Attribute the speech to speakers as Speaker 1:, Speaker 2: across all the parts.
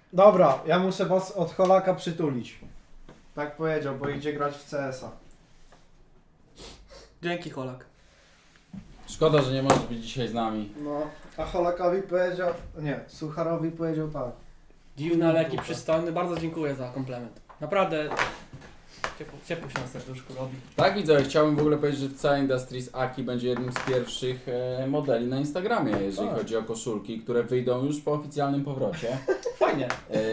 Speaker 1: Dobra, ja muszę was od Holaka przytulić. Tak powiedział, bo idzie grać w CS-a.
Speaker 2: Dzięki, Holak.
Speaker 3: Szkoda, że nie możesz być dzisiaj z nami.
Speaker 1: No, a Holakowi powiedział... Nie, Sucharowi powiedział tak.
Speaker 2: Dziwny, ale jaki przystojny. Bardzo dziękuję za komplement. Naprawdę ciepło się na serduszku robi.
Speaker 3: Tak widzę, chciałbym w ogóle powiedzieć, że Cała Industries Aki będzie jednym z pierwszych modeli na Instagramie, jeżeli
Speaker 1: Tak.
Speaker 3: chodzi o koszulki, które wyjdą już po oficjalnym powrocie.
Speaker 2: Fajnie.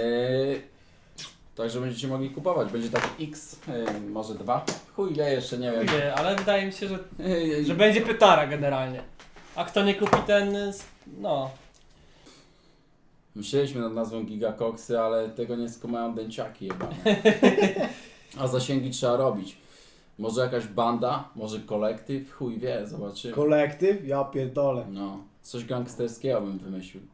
Speaker 3: Także będziecie mogli kupować. Będzie tak X, może 2. Chuj wie, jeszcze nie wiem.
Speaker 2: Nie, ale wydaje mi się, że będzie pytara generalnie. A kto nie kupi ten, no.
Speaker 3: Myśleliśmy nad nazwą Gigakoksy, ale tego nie skumają dęciaki jebane. A zasięgi trzeba robić. Może jakaś banda, może kolektyw, chuj wie, zobaczymy.
Speaker 1: Kolektyw? Ja pierdolę.
Speaker 3: No, coś gangsterskiego bym wymyślił.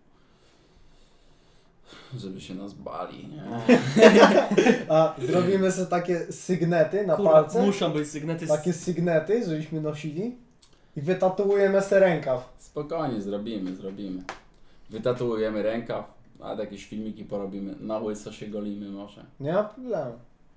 Speaker 3: Żeby się nas bali, nie?
Speaker 1: A zrobimy sobie takie sygnety na
Speaker 2: Kurwa,
Speaker 1: palce?
Speaker 2: muszą być sygnety.
Speaker 1: Takie sygnety, żebyśmy nosili. I wytatuujemy se rękaw.
Speaker 3: Spokojnie, zrobimy. Wytatuujemy rękaw, a jakieś filmiki porobimy. Na łyso się golimy może.
Speaker 1: Nie ma problemu.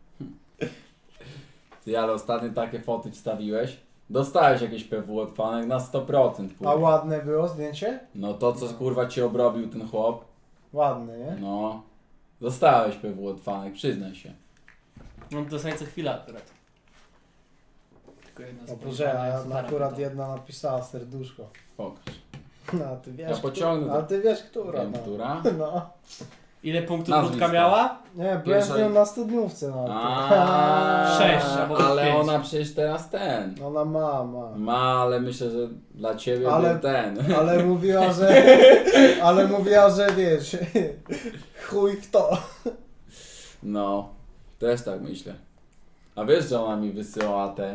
Speaker 3: Ty, ale ostatnio takie foty wstawiłeś. Dostałeś jakieś PW od fanek na 100%,
Speaker 1: A
Speaker 3: kurwa.
Speaker 1: ładne było zdjęcie?
Speaker 3: No to co kurwa ci obrobił ten chłop,
Speaker 1: Ładne, nie?
Speaker 3: no. Dostałeś PW od fanek, przyznaj się.
Speaker 2: Mam do co chwilę akurat. Tylko jedna
Speaker 1: O
Speaker 2: z
Speaker 1: Boże, a
Speaker 2: Suchara
Speaker 1: akurat
Speaker 2: pyta.
Speaker 1: jedna napisała serduszko.
Speaker 3: Pokaż.
Speaker 1: No, a ty wiesz,
Speaker 3: Ja pociągnę
Speaker 1: a
Speaker 3: to.
Speaker 1: ty wiesz, która.
Speaker 3: Wiem,
Speaker 1: no.
Speaker 3: która?
Speaker 1: No.
Speaker 2: Ile punktów
Speaker 3: Nazwisko.
Speaker 2: wódka miała?
Speaker 1: Nie, byłem
Speaker 3: Pierwsza
Speaker 1: z nią
Speaker 3: i-
Speaker 1: na studniówce nawet.
Speaker 3: A,
Speaker 2: 6 albo
Speaker 3: ale
Speaker 2: 5.
Speaker 3: ona przecież teraz ten.
Speaker 1: Ona ma.
Speaker 3: Ma, ale myślę, że dla ciebie
Speaker 1: Ale-
Speaker 3: był ten.
Speaker 1: Ale mówiła, że... Ale mówiła, że wiesz... Chuj w to.
Speaker 3: No, też tak myślę. A wiesz, że ona mi wysyłała te.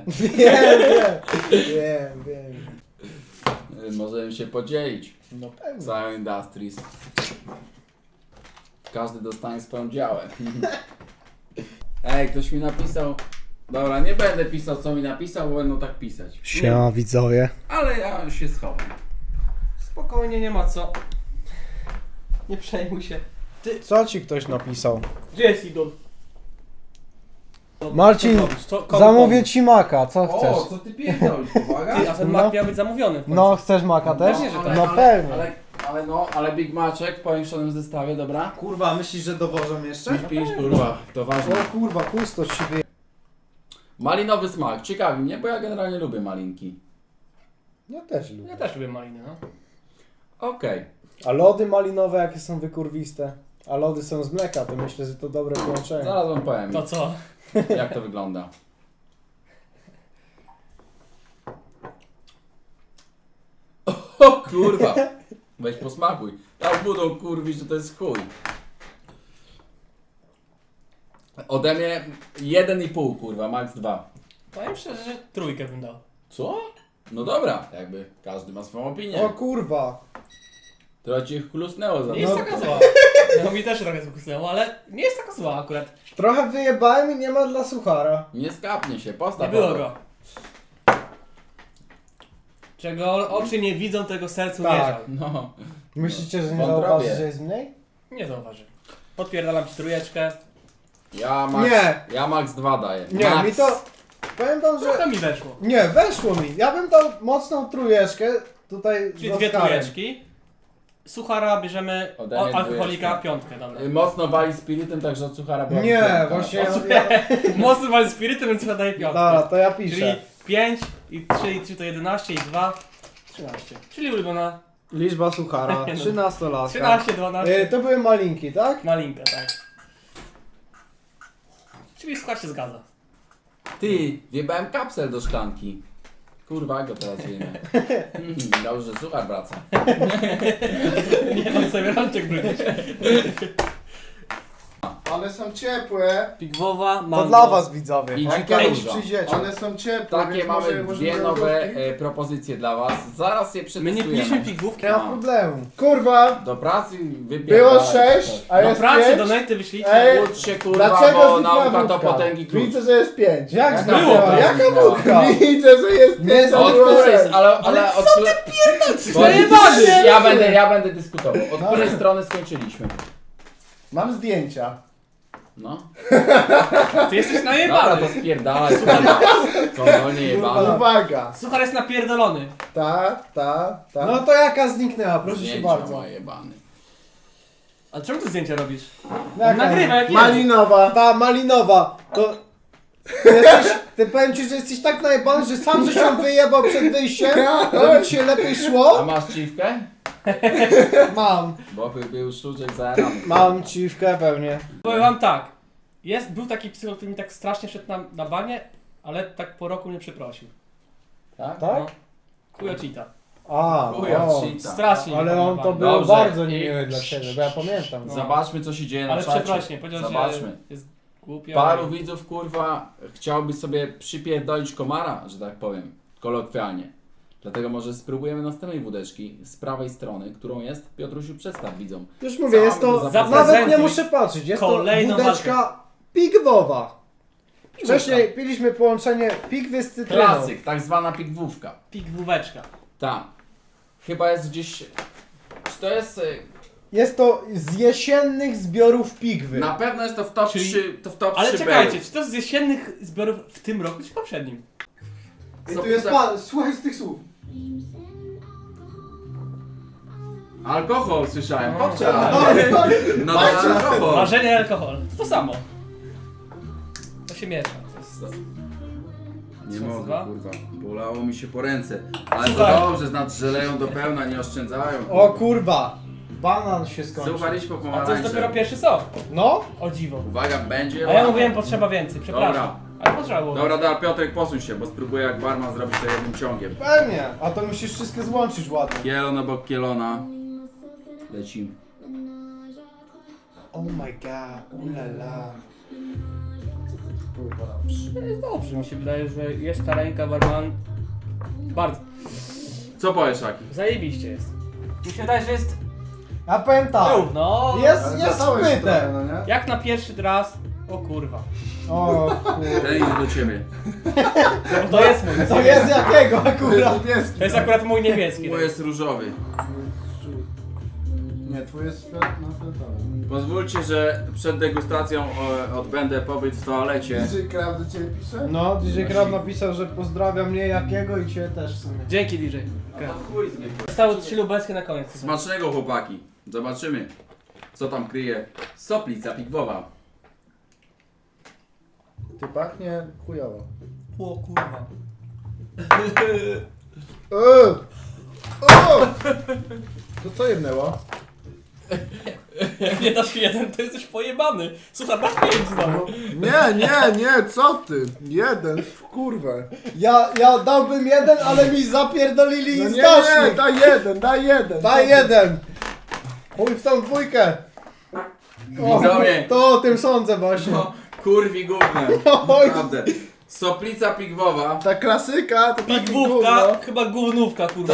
Speaker 1: Wiem.
Speaker 3: Możemy się podzielić.
Speaker 1: No pewnie.
Speaker 3: Całą Industries. Każdy dostanie swoją działę. Ej, ktoś mi napisał. Dobra, nie będę pisał co mi napisał, bo będą tak pisać.
Speaker 1: Siema widzowie.
Speaker 3: Ale ja się schowam.
Speaker 2: Spokojnie, nie ma co. Nie przejmuj się.
Speaker 1: Co ci ktoś napisał?
Speaker 2: Gdzie jest idol?
Speaker 1: Marcin,
Speaker 2: Co robisz? Komu
Speaker 1: Zamówię
Speaker 2: pomóc?
Speaker 1: ci maka, co chcesz?
Speaker 3: co ty pierdolisz, uwaga?
Speaker 2: Ty, a ten
Speaker 1: No.
Speaker 2: mak miał być zamówiony w końcu.
Speaker 1: No, chcesz maka też?
Speaker 2: Pewnie, że tak.
Speaker 1: No pewnie.
Speaker 3: Ale Big Maczek w powiększonym zestawie, dobra?
Speaker 1: Kurwa, myślisz, że dowożą jeszcze?
Speaker 3: Pisz, kurwa, to ważne.
Speaker 1: O kurwa, pustość się wyje...
Speaker 3: Malinowy smak, ciekawi mnie, bo ja generalnie lubię malinki.
Speaker 1: Ja też lubię.
Speaker 2: Ja też lubię maliny, no.
Speaker 3: Okej.
Speaker 1: A lody malinowe jakie są wykurwiste? A lody są z mleka, to myślę, że to dobre połączenie.
Speaker 3: Zaraz wam powiem,
Speaker 2: To co?
Speaker 3: jak to wygląda. O kurwa! Weź posmakuj. Tak budą kurwić, że to jest chuj. Ode mnie 1,5 kurwa, max 2.
Speaker 2: Powiem szczerze, że trójkę bym dał.
Speaker 3: Co? No dobra, jakby każdy ma swoją opinię.
Speaker 1: O kurwa.
Speaker 3: Trochę ci chlusnęło za
Speaker 2: Nie jest
Speaker 3: to.
Speaker 2: taka zła. No mi też trochę zgłusnęło, ale nie jest taka zła akurat.
Speaker 1: Trochę wyjebałem i nie ma dla suchara.
Speaker 3: Nie skapnie się,
Speaker 2: Nie
Speaker 3: postaw.
Speaker 2: było
Speaker 3: obok.
Speaker 2: go. Czego oczy nie widzą, tego sercu nie
Speaker 1: Tak.
Speaker 2: żal.
Speaker 3: No.
Speaker 1: Myślicie, że nie
Speaker 3: Wątrobię.
Speaker 1: zauważy, że jest mniej?
Speaker 2: Nie zauważy. Podpierdalam ci trójeczkę.
Speaker 3: Ja max 2 daję.
Speaker 1: Nie,
Speaker 3: max.
Speaker 1: mi to... Powiem wam, że...
Speaker 2: Trochę mi weszło.
Speaker 1: Nie, weszło mi. Ja bym dał mocną trójeczkę. Tutaj
Speaker 2: Czyli
Speaker 1: z
Speaker 2: dwie
Speaker 1: Oskarem.
Speaker 2: trójeczki. Suchara bierzemy
Speaker 3: Ode mnie
Speaker 2: alkoholika
Speaker 3: dwójeczkę.
Speaker 2: piątkę, dobra.
Speaker 3: Mocno wali spirytem, także od suchara była
Speaker 1: Nie,
Speaker 3: piątka.
Speaker 1: właśnie
Speaker 3: O,
Speaker 1: ja...
Speaker 2: Mocny wal spirytem, więc chyba daję piątkę.
Speaker 1: Dobra, to ja
Speaker 2: Czyli
Speaker 1: piszę.
Speaker 2: 5 i 3 i 3 to 11 i 2 13. Czyli ulubiona
Speaker 1: Liczba suchara, 13 laska.
Speaker 2: 13, 12.
Speaker 1: To były malinki, tak?
Speaker 2: Malinka, tak. Czyli skład się zgadza.
Speaker 3: Ty, wjebałem kapsel do szklanki. Kurwa, go teraz wiemy. Dobrze, że suchar wraca.
Speaker 2: Nie mam sobie rączek brudzić.
Speaker 1: One są ciepłe.
Speaker 2: Pigwowa, mango.
Speaker 1: To dla was widzowie.
Speaker 3: I
Speaker 1: Jak
Speaker 3: dzika
Speaker 1: kiedyś
Speaker 3: róża.
Speaker 1: przyjdziecie. One są ciepłe,
Speaker 3: Takie
Speaker 1: więc
Speaker 3: mamy
Speaker 1: może
Speaker 3: dwie nowe propozycje dla was. Zaraz je
Speaker 2: My
Speaker 3: przetestujemy.
Speaker 2: nie piliśmy pigwówki.
Speaker 1: Nie ma problemu. Kurwa,
Speaker 3: Do pracy
Speaker 1: było
Speaker 3: wypierdalaj.
Speaker 1: 6, a
Speaker 2: Do
Speaker 1: jest
Speaker 2: pracy,
Speaker 1: 5.
Speaker 2: do nety wyślijcie.
Speaker 1: Ej,
Speaker 3: Ucz się kurwa,
Speaker 1: Dlaczego
Speaker 3: bo
Speaker 1: znikła
Speaker 3: nauka to
Speaker 1: wódka?
Speaker 3: potęgi klucz.
Speaker 1: Widzę, że jest 5. Jak
Speaker 3: Jaka
Speaker 1: zniknęła?
Speaker 3: wódka
Speaker 1: Jaka
Speaker 3: zniknęła?
Speaker 1: wódka? Widzę, że jest 5.
Speaker 3: Od której, ale od której...
Speaker 2: Przejebany!
Speaker 3: Ja będę dyskutował. Od której strony skończyliśmy?
Speaker 4: Mam zdjęcia.
Speaker 3: No.
Speaker 2: Ty jesteś
Speaker 3: Dobra,
Speaker 2: najebany.
Speaker 3: to spierdalaj. Kondolnie jebane.
Speaker 4: Uwaga.
Speaker 2: Suchar jest napierdolony.
Speaker 4: Ta.
Speaker 1: No to jaka zniknęła, proszę się
Speaker 3: Zdjęcia
Speaker 1: bardzo.
Speaker 3: moje jebany.
Speaker 2: A czemu ty zdjęcia robisz?
Speaker 1: Jaka?
Speaker 2: On nagrywa jak jedzie.
Speaker 4: Malinowa.
Speaker 1: Ta malinowa, to... Ty powiem ci, że jesteś tak najebany, że sam żeś się wyjebał przed wyjściem, to ci się lepiej
Speaker 3: A
Speaker 1: szło.
Speaker 3: masz ciwkę?
Speaker 1: Mam.
Speaker 3: Bo był sztuczek zajarany.
Speaker 1: Mam ciwkę pewnie.
Speaker 2: Powiem wam tak. Był taki psycholog, który mi tak strasznie szedł na banie, ale tak po roku mnie przeprosił.
Speaker 3: Tak?
Speaker 1: Tak?
Speaker 2: No. Kujocita.
Speaker 1: A,
Speaker 3: Chuja,
Speaker 1: o.
Speaker 3: cheata.
Speaker 2: Strasznie mnie
Speaker 1: Ale
Speaker 2: pan
Speaker 1: on
Speaker 2: na
Speaker 1: to
Speaker 2: banie.
Speaker 1: był
Speaker 3: Dobrze.
Speaker 1: bardzo niemiły dla ciebie, bo ja pamiętam.
Speaker 2: No.
Speaker 3: Zobaczmy co się dzieje na
Speaker 2: Ale
Speaker 3: czacie.
Speaker 2: przeprośnie, powiedział,
Speaker 3: Zobaczmy.
Speaker 2: że jest głupio.
Speaker 3: Paru widzów kurwa chciałby sobie przypierdolić komara, że tak powiem, kolokwialnie. Dlatego może spróbujemy następnej wódeczki z prawej strony, którą jest Piotrusiu, przedstaw widzom.
Speaker 1: Już mówię, jest to,
Speaker 3: Zaprezentuj
Speaker 1: nawet nie muszę patrzeć, jest to
Speaker 2: kolejną
Speaker 1: wódeczka pigwowa. Wcześniej piliśmy połączenie pigwy z cytryną.
Speaker 3: Klasyk, tak zwana pigwówka.
Speaker 2: Pigwóweczka.
Speaker 3: Tak. Chyba jest gdzieś... Czy to jest...
Speaker 1: Jest to z jesiennych zbiorów pigwy.
Speaker 3: Na pewno jest to w top
Speaker 2: Czyli-
Speaker 3: 3, to w top
Speaker 2: Ale
Speaker 3: 3
Speaker 2: czekajcie,
Speaker 3: belów.
Speaker 2: czy to z jesiennych zbiorów w tym roku, czy poprzednim?
Speaker 1: I tu jest pan, słuchaj z tych słów.
Speaker 3: Alkohol słyszałem, kokczel.
Speaker 2: No.
Speaker 3: No to jest alkohol.
Speaker 2: Marzenie i alkohol. To samo. To się miesza. To jest...
Speaker 3: Nie
Speaker 2: Co,
Speaker 3: mogę,
Speaker 2: dwa?
Speaker 3: kurwa. Bolało mi się po ręce. Ale
Speaker 2: Słuchaj.
Speaker 3: to dobrze, znaczy, że leją do pełna, nie oszczędzają.
Speaker 1: O kurwa, banan się skończył.
Speaker 3: Słuchaj, idź po
Speaker 2: A to jest
Speaker 3: pomarańcze.
Speaker 2: dopiero pierwszy sok.
Speaker 1: No?
Speaker 2: O dziwo.
Speaker 3: Uwaga, będzie
Speaker 2: A ja
Speaker 3: ładnie.
Speaker 2: mówiłem, potrzeba więcej, przepraszam.
Speaker 3: Dobra.
Speaker 2: Ale potrzeba było.
Speaker 3: Dobra, Piotrek, posuń się, bo spróbuję jak barman zrobić to jednym ciągiem.
Speaker 1: Pewnie, a to musisz wszystkie złączyć ładnie.
Speaker 3: Kielon obok kielona. Lecimy.
Speaker 1: Oh my god, ulala.
Speaker 2: Jest dobrze, mi się wydaje, że jest ta ręka barman. Bardzo.
Speaker 3: Co powiesz, Aki?
Speaker 2: Zajebiście jest. Mi się wydaje, że jest
Speaker 1: Ja powiem tak,
Speaker 2: równo.
Speaker 1: jest
Speaker 4: Ale zasałeś trochę,
Speaker 1: spyte.
Speaker 4: no nie?
Speaker 2: Jak na pierwszy raz. O kurwa.
Speaker 1: O kurwa.
Speaker 3: Ten idzie do ciebie.
Speaker 2: No to jest mój.
Speaker 1: To jest jakiego akurat?
Speaker 4: Niebieski.
Speaker 2: To jest akurat mój niebieski.
Speaker 3: Mój jest różowy.
Speaker 4: Nie, twój jest fioletowy.
Speaker 3: Pozwólcie, że przed degustacją odbędę pobyt w toalecie.
Speaker 4: DJ Krav do ciebie pisze?
Speaker 1: No, DJ Krab napisał, że pozdrawia mnie jakiego i cię też w sumie.
Speaker 2: Dzięki DJ.
Speaker 3: No chuj z mnie.
Speaker 2: Zostały 3 lubelskie na koniec.
Speaker 3: Smacznego, chłopaki. Zobaczymy, co tam kryje soplica pigwowa.
Speaker 4: Ty pachnie chujowo.
Speaker 2: O kurwa.
Speaker 4: O! To co jednęło?
Speaker 2: Nie dasz jeden, to jesteś pojebany. Słuchaj, masz 5 znowu.
Speaker 4: Nie, co ty? Jeden, w kurwę.
Speaker 1: Ja dałbym jeden, ale mi zapierdolili
Speaker 4: No
Speaker 1: z
Speaker 4: nie,
Speaker 1: dasznik.
Speaker 4: daj jeden.
Speaker 1: Daj jeden. Chuj w tą dwójkę. O,
Speaker 3: Widzowie.
Speaker 1: to o tym sądzę właśnie.
Speaker 3: No, kurwi gównem.
Speaker 1: Oj.
Speaker 3: Naprawdę. Soplica pigwowa.
Speaker 4: Ta klasyka to taki
Speaker 2: Pigwówka,
Speaker 4: gówno.
Speaker 2: chyba gównówka, kurwa.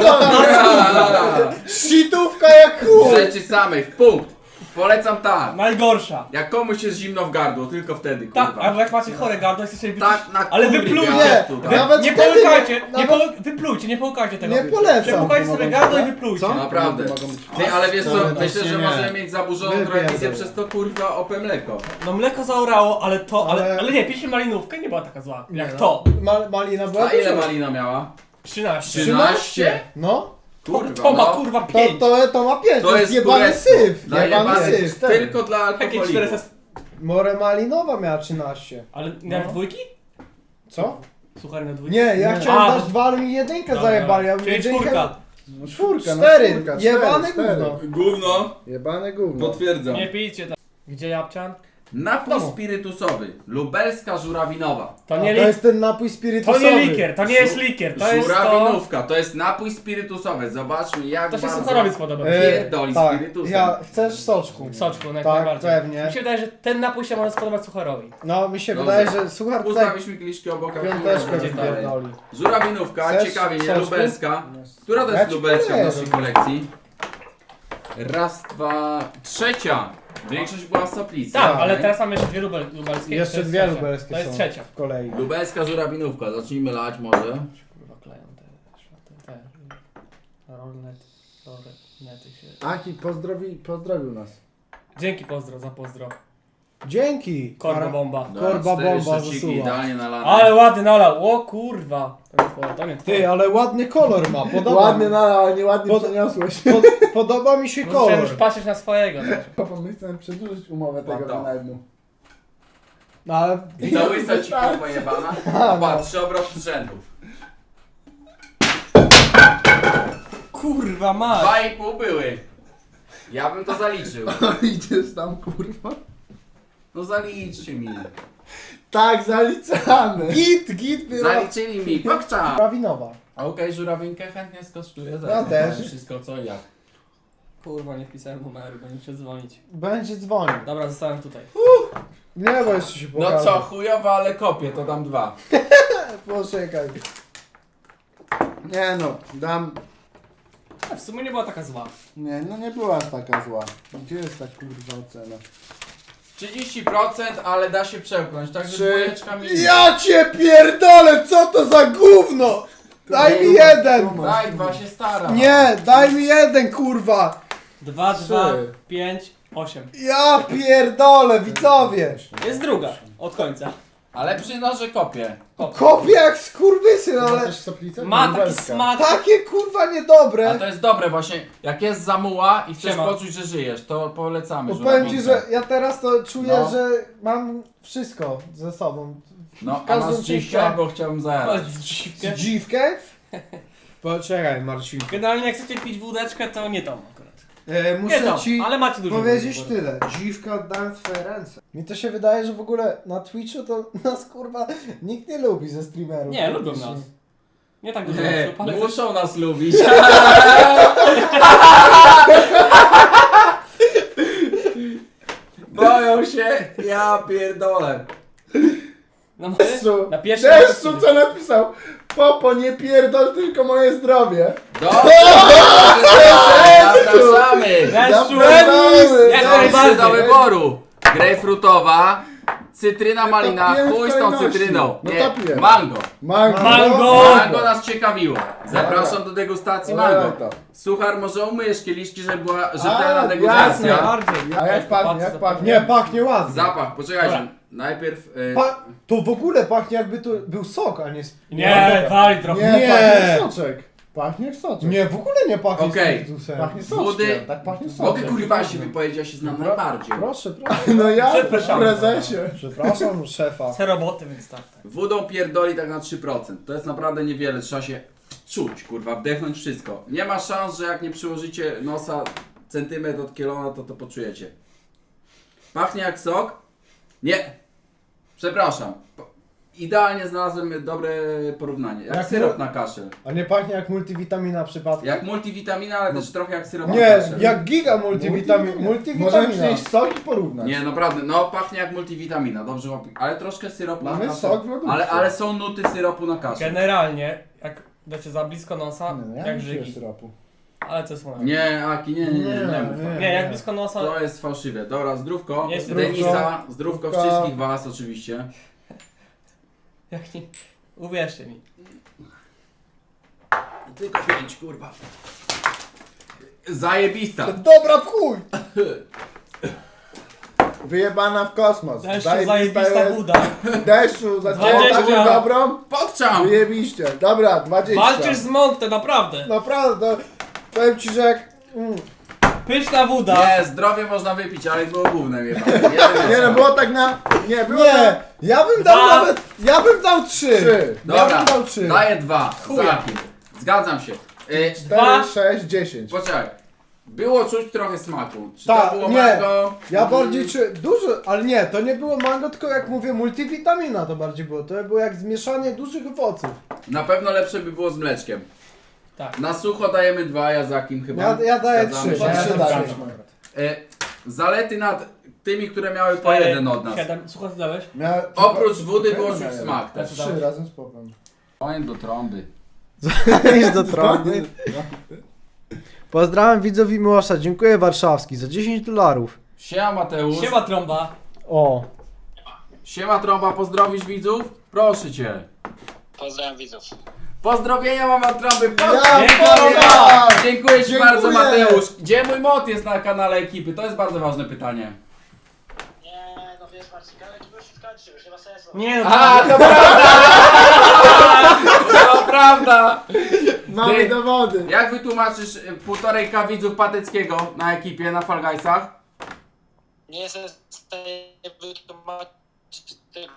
Speaker 1: Shitówka jak chuj.
Speaker 3: Rzeczy samej, w punkt. Polecam tak.
Speaker 2: Najgorsza.
Speaker 3: Jak komuś jest zimno w gardło, tylko wtedy,
Speaker 2: Tak,
Speaker 3: kurwa.
Speaker 2: albo jak macie chore gardło, jesteście
Speaker 3: Tak, na
Speaker 2: ale
Speaker 3: kurwie
Speaker 2: wyplujcie.
Speaker 3: białe tutaj.
Speaker 1: Nie, nawet
Speaker 2: Nie
Speaker 1: wtedy
Speaker 2: połykajcie,
Speaker 1: nawet-
Speaker 2: wyplujcie, nie połykajcie tego.
Speaker 1: Nie polecam.
Speaker 2: Przepłukajcie sobie gardło i wyplujcie.
Speaker 1: Co?
Speaker 3: Naprawdę.
Speaker 4: Mogą być-
Speaker 3: Ty, ale wiesz co,
Speaker 1: Wcale
Speaker 3: myślę,
Speaker 1: właśnie
Speaker 3: że
Speaker 1: nie.
Speaker 3: możemy mieć zaburzoną
Speaker 1: Wypierdol.
Speaker 3: transmisję przez to kurwa OP mleko.
Speaker 2: No mleko zaorało, ale to,
Speaker 1: Ale-
Speaker 2: ale nie, piliśmy malinówkę, nie była taka zła.
Speaker 1: Nie
Speaker 2: Jak
Speaker 1: no.
Speaker 2: to.
Speaker 1: Malina była
Speaker 3: A ile
Speaker 1: duża.
Speaker 3: malina miała?
Speaker 2: 13.
Speaker 3: 13?
Speaker 1: No,
Speaker 3: Kurwa,
Speaker 2: To ma
Speaker 3: no.
Speaker 2: kurwa
Speaker 1: to
Speaker 2: 5.
Speaker 1: ma 5, to jest jebany
Speaker 3: kurestwo.
Speaker 1: syf.
Speaker 3: Dla
Speaker 1: Jebany
Speaker 3: jebanych,
Speaker 1: syf.
Speaker 3: tylko dla
Speaker 2: Jakie
Speaker 3: alkoholików.
Speaker 2: 400.
Speaker 1: More malinowa miała 13.
Speaker 2: Ale jak
Speaker 1: No.
Speaker 2: dwójki?
Speaker 1: Co?
Speaker 2: Słuchaj, na dwójki.
Speaker 1: Nie, ja
Speaker 4: Nie.
Speaker 1: chciałem
Speaker 2: A,
Speaker 1: dać 2, ale mi jedynkę
Speaker 2: Dobra,
Speaker 1: zajebali. Ja
Speaker 2: czyli
Speaker 1: jedynkę...
Speaker 2: czwórka.
Speaker 4: No czwórka, no
Speaker 1: 4,
Speaker 4: czwórka,
Speaker 1: jebane
Speaker 4: cztery.
Speaker 1: gówno.
Speaker 3: Gówno,
Speaker 4: Jebane gówno.
Speaker 3: potwierdzam.
Speaker 2: Nie pijcie tak. Gdzie Japczan?
Speaker 3: Napój
Speaker 1: Domu.
Speaker 3: spirytusowy, lubelska żurawinowa.
Speaker 2: To
Speaker 1: A
Speaker 2: nie
Speaker 1: to
Speaker 2: likier.
Speaker 1: jest ten napój
Speaker 2: To
Speaker 1: spirytusowy.
Speaker 2: nie likier, to nie jest likier, to jest to...
Speaker 3: Żurawinówka, to jest napój spirytusowy. Zobaczmy jak
Speaker 2: To się
Speaker 3: bardzo...
Speaker 2: Sucharowi spodoba.
Speaker 3: Pierdoli
Speaker 1: tak,
Speaker 3: spirytusem.
Speaker 1: ja chcesz soczku.
Speaker 2: Soczku, jak
Speaker 1: Tak,
Speaker 2: najbardziej.
Speaker 1: pewnie.
Speaker 2: Mi się wydaje, że ten napój się może spodobać Sucharowi.
Speaker 1: No mi się
Speaker 3: Dobrze.
Speaker 1: wydaje, że suchar tutaj
Speaker 3: Ustawiliśmy kieliszki obok.
Speaker 1: piąteczkę
Speaker 3: będzie dalej.
Speaker 1: wypierdoli.
Speaker 3: Żurawinówka,
Speaker 1: Chcesz
Speaker 3: ciekawie, nie?
Speaker 1: soczku?
Speaker 3: Lubelska. Która to
Speaker 1: Ja
Speaker 3: jest
Speaker 1: ci
Speaker 3: lubelska w
Speaker 1: powiem.
Speaker 3: naszej kolekcji? Raz, dwa, trzecia. Większość była soplica.
Speaker 2: Tak, ale
Speaker 3: okej?
Speaker 2: teraz mamy jeszcze dwie lubelskie.
Speaker 1: Jeszcze
Speaker 2: to jest
Speaker 1: dwie
Speaker 2: trzecia.
Speaker 1: lubelskie
Speaker 2: To jest
Speaker 1: są
Speaker 2: trzecia.
Speaker 1: w kolei.
Speaker 3: Lubelska żurawinówka, zacznijmy lać może.
Speaker 2: Kurwa kleją te rolnety się.
Speaker 4: Aki pozdrowił nas.
Speaker 2: Dzięki pozdro za pozdro.
Speaker 1: Dzięki.
Speaker 2: Korba bomba.
Speaker 1: Korba
Speaker 3: Cztery
Speaker 1: bomba
Speaker 3: szociki
Speaker 1: zasuwa.
Speaker 3: idealnie nalane.
Speaker 2: Ale ładny nalał, o kurwa. To nie
Speaker 1: Ty, ale ładny kolor ma, podoba
Speaker 4: Ładnie
Speaker 1: mi.
Speaker 4: ale nieładnie
Speaker 1: Pod-
Speaker 4: przeniosłeś.
Speaker 1: Podoba mi się
Speaker 2: Musiałem już
Speaker 1: kolor.
Speaker 2: patrzeć na swojego.
Speaker 4: Papa, my chcemy przedłużyć umowę tego
Speaker 3: Dobra.
Speaker 4: wynajmu.
Speaker 1: No ale...
Speaker 3: Za łysa ci kurwa jebana. Patrz, 3 obroty z rzędu.
Speaker 2: Kurwa mać.
Speaker 3: 2,5 były. Ja bym to zaliczył.
Speaker 4: Idziesz tam, kurwa.
Speaker 3: No zaliczcie mi.
Speaker 4: Tak, zaliczamy.
Speaker 1: Git była.
Speaker 3: Zaliczyli mi, pokcza.
Speaker 1: Prawinowa.
Speaker 3: Okej, żurawinkę chętnie skosztuję.
Speaker 1: Ja też.
Speaker 3: Wszystko co i jak.
Speaker 2: Kurwa, nie wpisałem numeru, bo nie muszę dzwonić.
Speaker 1: Będzie dzwonił.
Speaker 2: Dobra, zostałem tutaj.
Speaker 1: Nie, bo jeszcze się
Speaker 3: No
Speaker 1: pokaże.
Speaker 3: co, chujowa, ale kopię, to dam 2.
Speaker 1: Poczekaj.
Speaker 4: Nie no, dam...
Speaker 2: A w sumie nie była taka zła.
Speaker 4: Nie, no nie była taka zła. Gdzie jest ta kurwa ocena?
Speaker 3: 30%, ale da się przełknąć, także
Speaker 4: Trzy.
Speaker 3: dwójeczka mi.
Speaker 1: Ja cię pierdolę, co to za gówno! Daj mi jeden!
Speaker 3: Daj, 2 się stara.
Speaker 1: Nie, daj mi jeden, kurwa!
Speaker 2: 2, 2,
Speaker 4: Trzy.
Speaker 2: 5, 8.
Speaker 1: Ja pierdolę, widzowie!
Speaker 2: Jest druga, od końca.
Speaker 3: Ale przyznam, że kopię.
Speaker 1: Kopię jak skurwysyn, ale
Speaker 4: Też soplicę?
Speaker 2: Ma taki
Speaker 4: Lubelska.
Speaker 2: smak.
Speaker 1: takie kurwa
Speaker 3: A
Speaker 1: niedobre.
Speaker 3: to jest dobre właśnie, jak jest zamuła i chcesz
Speaker 2: Siema.
Speaker 3: poczuć, że żyjesz, to polecamy
Speaker 1: Bo powiem ci,
Speaker 3: żurawinkę.
Speaker 1: że ja teraz to czuję,
Speaker 3: No.
Speaker 1: że mam wszystko ze sobą.
Speaker 3: No, a
Speaker 1: każdą
Speaker 3: masz
Speaker 1: część
Speaker 3: dziwkę,
Speaker 1: ciała.
Speaker 3: bo chciałbym zajarać.
Speaker 2: Ale dziwkę.
Speaker 1: Dziwkę? Poczekaj, Marcinku.
Speaker 2: Generalnie jak chcecie pić wódeczkę, to nie tą akurat. Nie
Speaker 1: Muszę
Speaker 2: tą,
Speaker 1: ci
Speaker 2: ale macie dużo
Speaker 1: powiedzieć
Speaker 2: wody.
Speaker 1: tyle. Dziwka oddałem w twoje ręce. Mi to się wydaje, że w ogóle na Twitchu to nas kurwa nikt nie lubi ze streamerów.
Speaker 2: Nie, lubią
Speaker 1: praktycznie.
Speaker 2: nas. Nie tak dużo
Speaker 3: Nie,
Speaker 2: osób, ale
Speaker 3: muszą nas lubić. Boją się, ja pierdolę.
Speaker 2: No,
Speaker 4: Deszczu,
Speaker 2: na pierwszy
Speaker 4: Deszczu co napisał? Popo, nie pierdol, tylko moje zdrowie.
Speaker 3: Dobrze, zapraszamy.
Speaker 2: Deszczu!
Speaker 4: Zapraszamy.
Speaker 2: Jak
Speaker 3: Są
Speaker 2: najbardziej.
Speaker 3: trzy do wyboru. Grejpfrutowa, cytryna malina,
Speaker 4: piję w
Speaker 3: chuj z tą
Speaker 4: kolejności.
Speaker 3: cytryną.
Speaker 4: No
Speaker 3: Nie,
Speaker 4: to piję.
Speaker 3: mango.
Speaker 4: Mango.
Speaker 2: Mango.
Speaker 3: Mango nas ciekawiło. Zapraszam do degustacji mango.
Speaker 4: Dawaj to.
Speaker 3: Suchar, może umyjesz kieliszki, żeby była rzetelna
Speaker 4: jasne.
Speaker 3: degustacja.
Speaker 2: Bardziej.
Speaker 4: A jak pachnie, jak pachnie?
Speaker 1: Nie, pachnie ładnie.
Speaker 3: Zapach, poczekajcie.
Speaker 2: Dobra.
Speaker 3: Najpierw...
Speaker 1: To w ogóle pachnie jakby to był sok, a nie...
Speaker 2: Nie, wali trochę.
Speaker 4: Nie,
Speaker 1: Nie.
Speaker 4: pachnie jak soczek. Pachnie jak soczek.
Speaker 1: Nie, w ogóle nie pachnie
Speaker 3: Okej.
Speaker 1: spirytusem.
Speaker 4: Pachnie soczkiem.
Speaker 3: Wody.
Speaker 4: Tak pachnie soczkiem.
Speaker 3: Mogę kurwa się wypowiedzieć, ja się znam najbardziej.
Speaker 1: Proszę.
Speaker 4: No ja,
Speaker 2: Przepraszam.
Speaker 4: prezesie.
Speaker 1: Przepraszam, szefa.
Speaker 2: Chcę roboty, więc tak.
Speaker 3: Wodą pierdoli tak na 3%. To jest naprawdę niewiele, trzeba się czuć, kurwa, wdechnąć wszystko. Nie ma szans, że jak nie przyłożycie nosa centymetr od kielona, to poczujecie. Pachnie jak sok? Nie. Przepraszam. Idealnie znalazłem dobre porównanie. Jak
Speaker 1: Jak
Speaker 3: syrop
Speaker 1: mu-
Speaker 3: na kaszel.
Speaker 1: A nie pachnie jak multivitamina przypadkiem?
Speaker 3: Jak multivitamina, ale też trochę jak syrop na
Speaker 1: Nie,
Speaker 3: kaszel.
Speaker 1: jak giga multivitamina.
Speaker 4: Możemy
Speaker 1: Multivitamina.
Speaker 4: przynieść sok i porównać.
Speaker 3: Nie, naprawdę, no pachnie jak multivitamina, dobrze, ale troszkę syropu
Speaker 4: Mamy
Speaker 3: na kaszel.
Speaker 4: sok w lodówce.
Speaker 3: Ale są nuty syropu na kaszel.
Speaker 2: Generalnie, jak dacie za blisko nosa,
Speaker 4: Nie, no ja
Speaker 2: jak
Speaker 4: nie piję
Speaker 2: żygi.
Speaker 4: syropu.
Speaker 2: Ale to jest moje.
Speaker 3: Nie, Aki, nie mów tak.
Speaker 2: Nie, jak blisko nosa...
Speaker 3: To jest fałszywe. Dobra, zdrówko.
Speaker 2: Nie, zdrówko.
Speaker 3: Denisa, zdrówko
Speaker 1: Zdrówko.
Speaker 3: wszystkich was oczywiście.
Speaker 2: Jak nie... Uwierzcie mi.
Speaker 3: Tylko 5, kurwa. Zajebista.
Speaker 1: Dobra w chuj!
Speaker 4: Wyjebana w kosmos.
Speaker 2: Deszczu, zajebista
Speaker 4: jest.
Speaker 2: buda.
Speaker 4: Deszczu, za
Speaker 2: 20.
Speaker 4: taką dobrą?
Speaker 3: Podczam!
Speaker 4: Wyjebiście. Dobra, 20.
Speaker 2: Walczysz z Monte, naprawdę.
Speaker 1: Naprawdę, powiem ci, że jak...
Speaker 2: Pyszna woda.
Speaker 3: Nie, zdrowie można wypić, ale było gównem jeba.
Speaker 4: Nie no, było tak na... Nie, było
Speaker 1: Nie,
Speaker 4: na...
Speaker 1: ja bym dał
Speaker 2: Dwa.
Speaker 1: nawet... Ja bym dał 3.
Speaker 4: 3,
Speaker 1: Ja
Speaker 3: Dobra,
Speaker 1: bym dał 3.
Speaker 3: daję 2.
Speaker 2: Chuja.
Speaker 3: Zaki. Zgadzam się.
Speaker 4: 4,
Speaker 2: Dwa.
Speaker 4: 6, 10.
Speaker 3: Poczekaj. Było czuć trochę smaku. Czy
Speaker 1: Tak,
Speaker 3: to było
Speaker 1: nie.
Speaker 3: mango?
Speaker 1: Ja bardziej dużo, ale nie, to nie było mango, tylko jak mówię multivitamina to bardziej było. To było jak zmieszanie dużych owoców.
Speaker 3: Na pewno lepsze by było z mleczkiem.
Speaker 2: Tak.
Speaker 3: Na sucho dajemy 2, ja za kim chyba.
Speaker 1: Ja daję
Speaker 3: Zgadzamy
Speaker 1: 3.
Speaker 3: się.
Speaker 2: Ja
Speaker 1: Ja
Speaker 2: też
Speaker 1: daję
Speaker 2: zgadzam.
Speaker 1: 3.
Speaker 3: Zalety nad tymi, które miały po jeden od nas.
Speaker 2: 7. Słuchaj, co dałeś?
Speaker 3: Oprócz wody było czuć smak też.
Speaker 4: 3 razem z popem.
Speaker 3: Oń do trąby.
Speaker 1: Idź do trąby. Pozdrawiam widzów i Miłosza, dziękuję Warszawski za $10.
Speaker 3: Siema Mateusz.
Speaker 2: Siema trąba.
Speaker 1: O,
Speaker 3: Siema Trąba, pozdrowisz widzów? Proszę cię.
Speaker 5: Pozdrawiam widzów.
Speaker 3: Pozdrowienia mam od trąby.
Speaker 4: Ja
Speaker 3: Dziękuję. Dziękuję Ci
Speaker 4: Dziękuję.
Speaker 3: bardzo, Mateusz. Gdzie mój mod jest na kanale ekipy? To jest bardzo ważne pytanie.
Speaker 5: Nie, no wiesz Marcin, ale to już skończy, już nie ma sensu.
Speaker 2: Nie no,
Speaker 3: A, to prawda! To prawda!
Speaker 4: Mamy
Speaker 3: Ty-
Speaker 4: dowody.
Speaker 3: Jak wytłumaczysz 1,5K widzów Pateckiego na ekipie, na Fall Guysach?
Speaker 5: Nie jestem w stanie wytłumaczyć tego.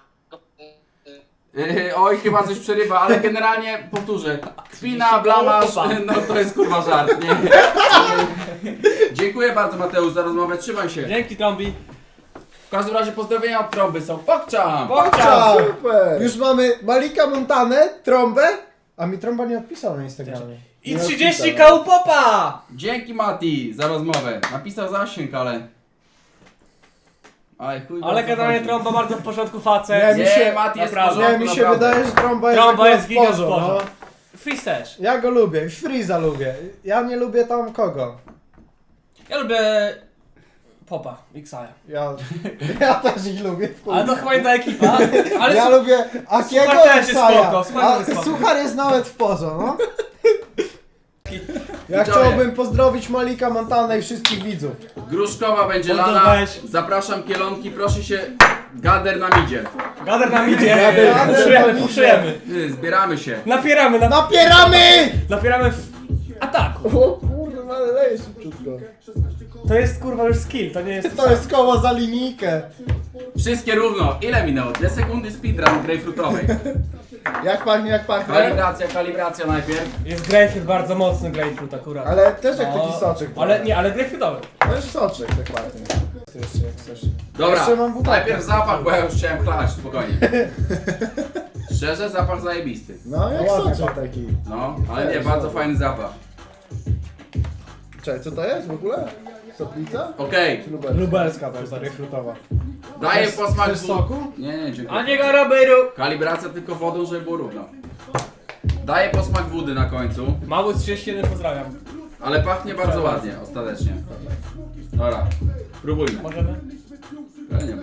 Speaker 3: Oj, chyba coś przerywa, ale generalnie powtórzę. Kpina, blamasz, no to jest kurwa żart, nie? Dziękuję bardzo Mateusz za rozmowę, trzymaj się.
Speaker 2: dzięki Trąbi.
Speaker 3: W każdym razie pozdrowienia od trąby są. Pokczam!
Speaker 1: Ciao.
Speaker 4: Super.
Speaker 1: Już mamy Malika Montanę, trąbę, a mi trąba nie odpisał na Instagramie.
Speaker 2: I
Speaker 4: Nie
Speaker 2: 30
Speaker 4: odpisałem.
Speaker 2: kał popa!
Speaker 3: Dzięki Mati za rozmowę. Napisał zasięg, ale... Ale chuj
Speaker 2: Ale
Speaker 3: bardzo
Speaker 2: generalnie
Speaker 3: chodzi.
Speaker 2: Trąba bardzo w porządku facet.
Speaker 1: Nie,
Speaker 3: Nie, Mati jest w
Speaker 2: naprawdę.
Speaker 3: porządku,
Speaker 1: Nie, mi się
Speaker 3: naprawdę.
Speaker 1: wydaje, że trąba jest
Speaker 2: Trąba
Speaker 1: akurat
Speaker 2: jest giga
Speaker 1: spozo,
Speaker 2: spozo.
Speaker 1: no.
Speaker 2: Freeze też.
Speaker 1: Ja go lubię, Freeza lubię. Ja nie lubię tam kogo.
Speaker 2: Ja lubię popa, Xaja.
Speaker 1: Ja też ich lubię. w chuj.
Speaker 2: Ale to chyba jedna ekipa. Ale
Speaker 1: Ja lubię Akiego
Speaker 2: Suchar też jest
Speaker 1: Xaja.
Speaker 2: spoko, Suchar
Speaker 1: A
Speaker 2: jest spoko.
Speaker 1: Suchar jest nawet w pozo, no. Ja
Speaker 3: Widzowie.
Speaker 1: chciałbym pozdrowić Malika Montanę i wszystkich widzów.
Speaker 3: Gruszkowa będzie
Speaker 2: No to
Speaker 3: lana.
Speaker 2: weź.
Speaker 3: Zapraszam Kielonki, proszę się. Gader nam idzie.
Speaker 2: Gader nam idzie.
Speaker 1: Gader
Speaker 2: Puszujemy,
Speaker 1: nam
Speaker 2: puszujemy.
Speaker 3: Zbieramy się.
Speaker 2: Napieramy,
Speaker 1: Napieramy!
Speaker 2: napieramy w ataku.
Speaker 4: O kurde, ale leje szybciutko.
Speaker 2: To jest kurwa już skill, to nie jest...
Speaker 1: To jest koło za linijkę.
Speaker 3: Wszystkie równo. Ile minęło? 2 sekundy speedrun grejpfrutowej.
Speaker 4: Jak pachnie, jak pachnie.
Speaker 3: Kalibracja najpierw.
Speaker 2: Jest grapefruit, bardzo mocny grapefruit akurat.
Speaker 4: Ale też jak
Speaker 2: No,
Speaker 4: taki soczek.
Speaker 2: Ale nie, ale grapefruitowy.
Speaker 4: To jest soczek, tak pachnie.
Speaker 1: To jeszcze jak chcesz.
Speaker 3: Dobra,
Speaker 1: Jeszcze mam butelkę.
Speaker 3: najpierw zapach, bo ja już chciałem chlać, spokojnie. Szczerze, zapach zajebisty.
Speaker 4: No, jak
Speaker 1: Ładny
Speaker 4: soczek
Speaker 1: pachnie.
Speaker 4: taki.
Speaker 3: No, ale nie, bardzo fajny zapach.
Speaker 4: Czekaj, co to jest w ogóle? Soplica?
Speaker 3: Okej,
Speaker 4: Czy lubelska?
Speaker 1: Lubelska to jest ta refrutowa.
Speaker 3: daję
Speaker 1: Chcesz-
Speaker 3: posmak
Speaker 1: chcesz soku?
Speaker 3: Nie, nie, dziękuję.
Speaker 2: A nie go robiru.
Speaker 3: Kalibracja tylko wodą, żeby było równo. Daję posmak wody na końcu,
Speaker 2: Mały 31 pozdrawiam.
Speaker 3: ale pachnie bardzo ładnie, ostatecznie. Dobra, próbujmy.
Speaker 2: Możemy?
Speaker 3: Ja nie wiem.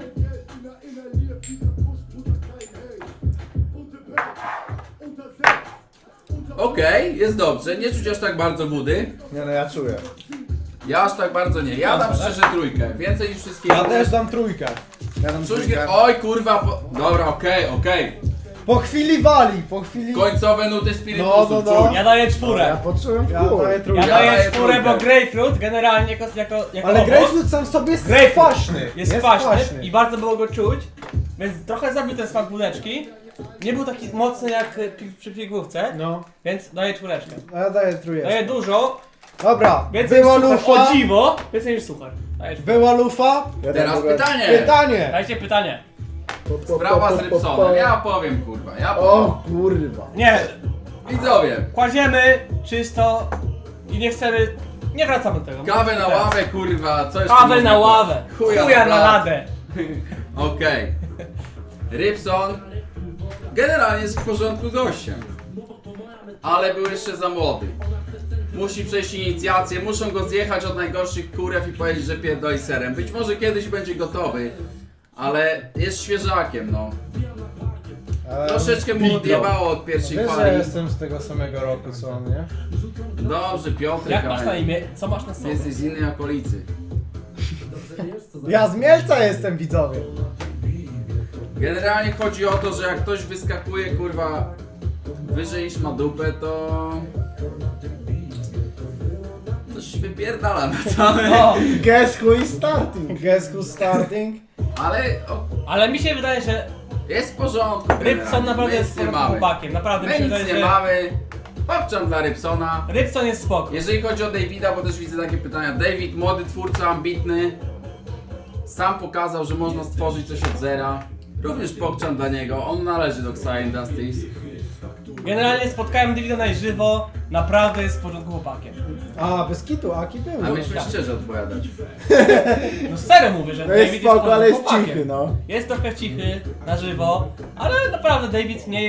Speaker 3: Okej, jest dobrze, nie czuć aż tak bardzo wody.
Speaker 4: Nie no, ja czuję.
Speaker 3: Ja aż tak bardzo nie. Ja dam szczerze trójkę, więcej niż wszystkie
Speaker 1: Ja
Speaker 3: inne.
Speaker 1: też dam trójkę.
Speaker 4: Ja dam
Speaker 3: Czuć,
Speaker 4: trójkę.
Speaker 3: oj kurwa, dobra, okej.
Speaker 1: Po chwili wali, po chwili...
Speaker 3: Końcowe nuty spirytusu,
Speaker 1: No, no, no.
Speaker 3: czuć.
Speaker 2: Ja daję
Speaker 4: Ja
Speaker 2: czwórę.
Speaker 4: poczułem w
Speaker 1: Ja
Speaker 4: chuj.
Speaker 1: daję
Speaker 2: Ja
Speaker 1: trójkę.
Speaker 2: daję
Speaker 3: daję
Speaker 2: czwórę, bo
Speaker 3: trójkę.
Speaker 2: grapefruit generalnie jako
Speaker 1: Ale
Speaker 2: owoc
Speaker 1: grapefruit sam w sobie jest
Speaker 2: Grapefruit.
Speaker 1: kwaśny.
Speaker 2: jest kwaśny i bardzo było go czuć, więc trochę zabił ten smak wódeczki. Nie był taki mocny jak przy pigłówce,
Speaker 1: No,
Speaker 2: więc daję czwóreczkę.
Speaker 1: a ja daję trójkę.
Speaker 2: Daję dużo,
Speaker 1: Dobra,
Speaker 2: więcej
Speaker 1: była
Speaker 2: niż suchar,
Speaker 1: lufa.
Speaker 2: o dziwo, więcej niż suchar. Daję czwórkę.
Speaker 1: Była lufa.
Speaker 4: Ja
Speaker 3: Teraz
Speaker 4: dam
Speaker 3: pytanie.
Speaker 1: Pytanie.
Speaker 2: Dajcie pytanie.
Speaker 3: Sprawa z Rybsonem. Ja powiem kurwa, ja powiem.
Speaker 4: O kurwa.
Speaker 2: Nie,
Speaker 3: Widzowie,
Speaker 2: kładziemy czysto i nie chcemy, nie wracamy do tego.
Speaker 3: kawę na ławę kurwa, co jeszcze
Speaker 2: Kawę
Speaker 3: można
Speaker 2: na
Speaker 3: powiedzieć?
Speaker 2: ławę,
Speaker 3: Chuja
Speaker 2: chuja na
Speaker 3: blat.
Speaker 2: ladę.
Speaker 3: Okej. Rybson generalnie jest w porządku gościem. Ale był jeszcze za młody. Musi przejść inicjację, muszą go zjechać od najgorszych kurew i powiedzieć, że pierdoli serem. Być może kiedyś będzie gotowy, ale jest świeżakiem, no. Troszeczkę mu odjebało od pierwszej
Speaker 1: Wiesz, że
Speaker 3: fali.
Speaker 1: jestem z tego samego roku co on, nie?
Speaker 3: Dobrze, Piotrek,
Speaker 2: Jak masz na
Speaker 3: ale
Speaker 2: imię? Co masz na sobie?
Speaker 3: jesteś z innej okolicy.
Speaker 1: Ja z Mielca jestem, widzowie.
Speaker 3: Generalnie chodzi o to, że jak ktoś wyskakuje, kurwa, wyżej niż ma dupę, to... Coś wypierdala na całe.
Speaker 2: O,
Speaker 4: Guess who is starting?
Speaker 1: Guess who's starting?
Speaker 3: Ale
Speaker 2: ale mi się wydaje, że
Speaker 3: jest w porządku.
Speaker 2: Rybson
Speaker 3: generalnie.
Speaker 2: naprawdę
Speaker 3: My
Speaker 2: jest
Speaker 3: nic nie
Speaker 2: sporym
Speaker 3: mamy.
Speaker 2: chłopakiem. Naprawdę mi
Speaker 3: My
Speaker 2: się
Speaker 3: nic
Speaker 2: wydaje,
Speaker 3: nie
Speaker 2: że
Speaker 3: mamy. Popczam dla Rybsona.
Speaker 2: Rybson jest spoko.
Speaker 3: Jeżeli chodzi o Davida, bo też widzę takie pytania. David, młody twórca, ambitny. Sam pokazał, że można stworzyć coś od zera. Również pokczam dla niego. On należy do Xia Industries.
Speaker 2: Generalnie spotkałem Davida na żywo, naprawdę jest w porządku chłopakiem.
Speaker 1: A, bez kitu, Aki był.
Speaker 3: A myśmy szczerze odpowiadać.
Speaker 2: No serio mówię, że
Speaker 4: No jest
Speaker 2: David
Speaker 4: spoko,
Speaker 2: jest w
Speaker 4: ale jest
Speaker 2: porządku chłopakiem.
Speaker 4: cichy, no.
Speaker 2: Jest trochę cichy na żywo, ale naprawdę David nie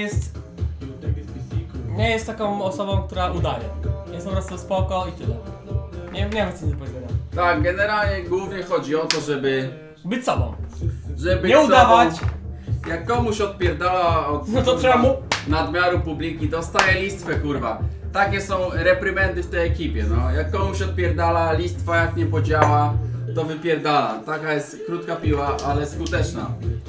Speaker 2: jest taką osobą, która udaje. Jest po prostu spoko i tyle. Nie mam nic do powiedzenia.
Speaker 3: Tak, generalnie głównie chodzi o to, żeby
Speaker 2: Być sobą.
Speaker 3: być
Speaker 2: Nie udawać.
Speaker 3: sobą. Jak komuś odpierdala od...
Speaker 2: No to trzeba mu
Speaker 3: nadmiaru publiki, dostaje listwę, kurwa. Takie są reprymendy w tej ekipie, no. Jak komuś odpierdala listwa, jak nie podziała, to wypierdala. Taka jest krótka piła, ale skuteczna.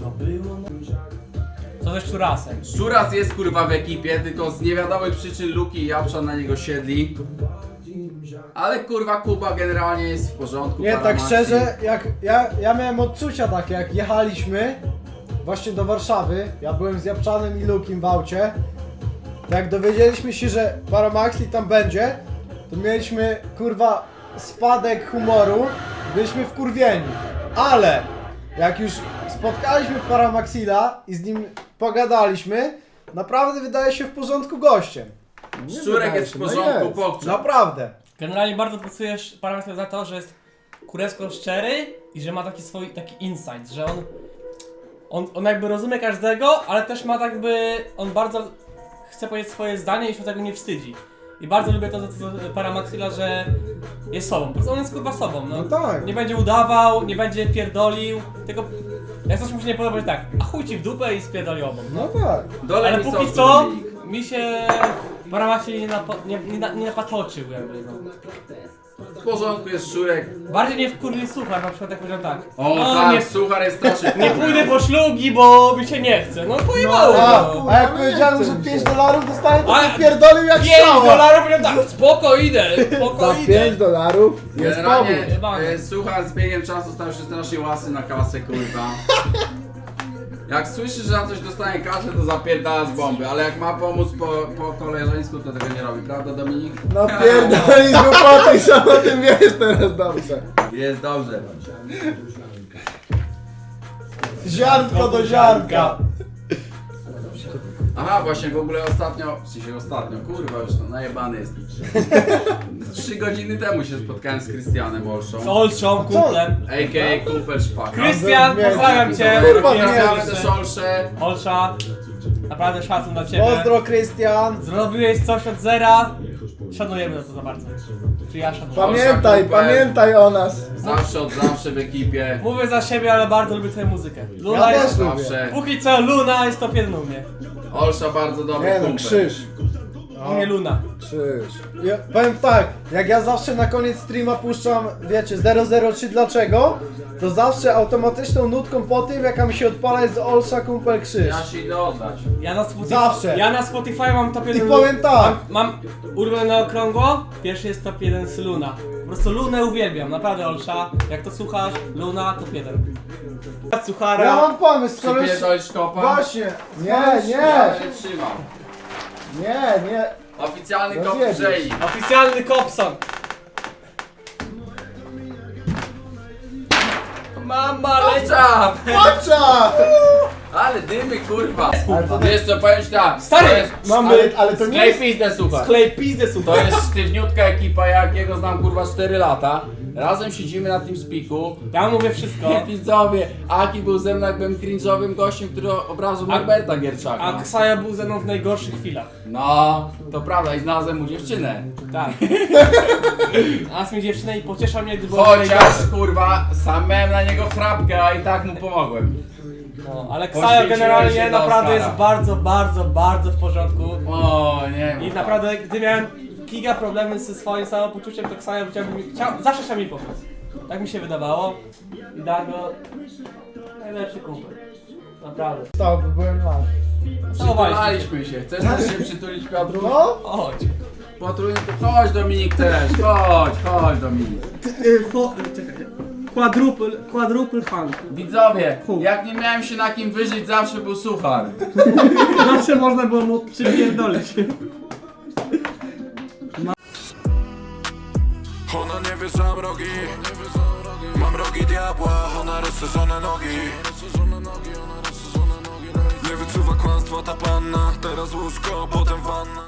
Speaker 2: Co ze Szczurasem?
Speaker 3: Szczuras jest kurwa w ekipie, tylko z niewiadomych przyczyn Luki i Japsza na niego siedli. Ale kurwa Kuba generalnie jest w porządku.
Speaker 1: Nie, tak
Speaker 3: Paramaxi.
Speaker 1: szczerze, jak ja miałem odczucia takie, jak jechaliśmy właśnie do Warszawy, ja byłem z Japczanem i Lukim w aucie, to jak dowiedzieliśmy się, że Paramaxi tam będzie, to mieliśmy kurwa spadek humoru, byliśmy wkurwieni, ale jak już spotkaliśmy Paramaxila i z nim pogadaliśmy, naprawdę wydaje się w porządku gościem.
Speaker 3: Szczurek jest w porządku, pokczam.
Speaker 1: Naprawdę.
Speaker 2: Generalnie bardzo pracujesz parametr za to, że jest kurewsko szczery i że ma taki insight, że on jakby rozumie każdego, ale też ma on bardzo chce powiedzieć swoje zdanie i się tego nie wstydzi. I bardzo lubię to Paramaxila, że jest sobą, po prostu on jest kurwa sobą, no.
Speaker 1: No tak.
Speaker 2: Nie będzie udawał, nie będzie pierdolił, tylko jak coś mu się nie podoba, że tak, a chuj ci w dupę i spierdoli obok.
Speaker 1: No tak.
Speaker 3: Dole
Speaker 2: Ale
Speaker 3: mi
Speaker 2: póki
Speaker 3: sosu,
Speaker 2: co
Speaker 3: Dominik.
Speaker 2: mi się Paramaxil nie napatoczył jakby, no.
Speaker 3: W porządku jest Szczurek.
Speaker 2: Bardziej nie wkurwi Suchar, na przykład jak powiedział tak.
Speaker 3: O
Speaker 2: "No,
Speaker 3: tak,
Speaker 2: nie,
Speaker 3: Suchar jest straszny.
Speaker 2: nie pójdę po szlugi, bo mi się nie chce. No pojebało
Speaker 1: A,
Speaker 2: no.
Speaker 1: a jak powiedziałem, że $5 dostaję, to
Speaker 2: A,
Speaker 1: wypierdolił jak strzała.
Speaker 2: $5 powiedział tak, spoko idę, spoko
Speaker 4: Za
Speaker 2: idę.
Speaker 4: $5 jest
Speaker 3: Generalnie
Speaker 4: powód.
Speaker 3: Suchar z biegiem czasu stał się strasznie łasy na kasę, kurwa. Jak słyszy, że na coś dostanie kasę, to zapierdala z bomby, ale jak ma pomóc po koleżeńsku, to tego nie robi, prawda Dominik?
Speaker 4: No pierdoli z głupoty, sam o tym wiesz teraz dobrze.
Speaker 3: Jest dobrze.
Speaker 1: Ziarnko do ziarnka.
Speaker 3: Aha, właśnie w ogóle ostatnio, kurwa już to najebany jest. 3 godziny temu się spotkałem z Krystianem Olszą,
Speaker 2: Z Olszą, kumplem.
Speaker 3: a.k.a. Kumpel Szpaka.
Speaker 2: Krystian,
Speaker 1: Miałem-
Speaker 2: pozdrawiam cię.
Speaker 1: Kurwa,
Speaker 3: Pozdrawiamy
Speaker 1: miałem-
Speaker 3: też Olszę.
Speaker 2: Olsza, naprawdę szacun dla ciebie.
Speaker 1: Pozdro, Krystian.
Speaker 2: Zrobiłeś coś od zera. Szanujemy to za bardzo. Czy ja szanuję?
Speaker 4: Pamiętaj o nas.
Speaker 3: Zawsze od zawsze w ekipie.
Speaker 2: Mówię za siebie, ale bardzo lubię twoją muzykę. Luna
Speaker 1: Ja
Speaker 2: jest...
Speaker 1: też.
Speaker 3: Zawsze.
Speaker 2: Póki co Luna jest top 1 u mnie.
Speaker 3: Olsza bardzo dobry
Speaker 4: Nie no,
Speaker 3: kumpel.
Speaker 4: krzyż.
Speaker 2: U mnie Luna.
Speaker 4: Krzyż.
Speaker 1: Ja powiem tak, jak ja zawsze na koniec streama puszczam, wiecie, 003 dlaczego, to zawsze automatyczną nutką po tym, jaka mi się odpala jest Olsza Kumpel Krzyż.
Speaker 3: Ja się idę oddać.
Speaker 1: Zawsze.
Speaker 2: Ja na Spotify mam top 1.
Speaker 1: I powiem tak.
Speaker 2: Mam ulubione na okrągło. Pierwszy jest top 1 z Luna. Po prostu Lunę uwielbiam, naprawdę Olsza. Jak to słuchasz, Luna top 1. Suchara.
Speaker 1: Ja mam pomysł, skoro już...
Speaker 3: Przypierdolisz kopa?
Speaker 1: Właśnie.
Speaker 4: Nie, nie,
Speaker 3: Ja się trzymam.
Speaker 4: nie.
Speaker 3: Oficjalny kop
Speaker 4: Rozjebiesz.
Speaker 3: Brzei.
Speaker 2: Oficjalny Kopson. Mama leci.
Speaker 3: Czap!
Speaker 4: Pocza!
Speaker 3: Ale dymy kurwa.
Speaker 4: Ale to
Speaker 3: Wiesz co, powiem ci tak.
Speaker 2: Stary,
Speaker 3: to jest
Speaker 4: Ale to nie
Speaker 3: sklej
Speaker 4: jest...
Speaker 3: pizdę słuchaj.
Speaker 2: Klej pizdę
Speaker 3: To
Speaker 2: super.
Speaker 3: jest sztywniutka ekipa, jak jego znam kurwa 4 lata. Razem siedzimy na tym spiku.
Speaker 2: Ja mówię wszystko.
Speaker 3: Widzowie, Aki był ze mną jakbym cringe'owym gościem, który obraził Norberta Gierczaka.
Speaker 2: A Ksaja był ze mną w najgorszych chwilach.
Speaker 3: No, to prawda i znalazłem mu dziewczynę.
Speaker 2: Tak. Znalazł mi dziewczynę i pociesza mnie, gdy było
Speaker 3: Chociaż kurwa, sam miałem na niego chrapkę, a i tak mu pomogłem.
Speaker 2: No, ale
Speaker 3: Poświęciłem
Speaker 2: Ksaja
Speaker 3: się
Speaker 2: generalnie
Speaker 3: dla
Speaker 2: naprawdę
Speaker 3: Oscara.
Speaker 2: jest bardzo, bardzo, bardzo w porządku.
Speaker 3: O nie.
Speaker 2: I naprawdę, gdy miałem giga problemy ze swoim samopoczuciem, to Ksaja zawsze chciał mi pomóc. Tak mi się wydawało. I Dago, najlepszy kumpel. Naprawdę.
Speaker 1: To, bo byłem mały.
Speaker 3: Przytulaliśmy się. Chcesz też się przytulić, Piotru?
Speaker 1: No?
Speaker 2: Chodź.
Speaker 3: Potrójny to chodź Dominik też, chodź Dominik.
Speaker 2: Quadruple funk.
Speaker 3: Widzowie, jak nie miałem się na kim wyżyć, zawsze był Suchar.
Speaker 2: Zawsze można było mu przypierdolić.
Speaker 6: Ona nie wie, że mam rogi. Mam rogi diabła, ona rozszerzone nogi. Nie wyczuwa kłamstwa ta panna. Teraz łóżko, potem wanna.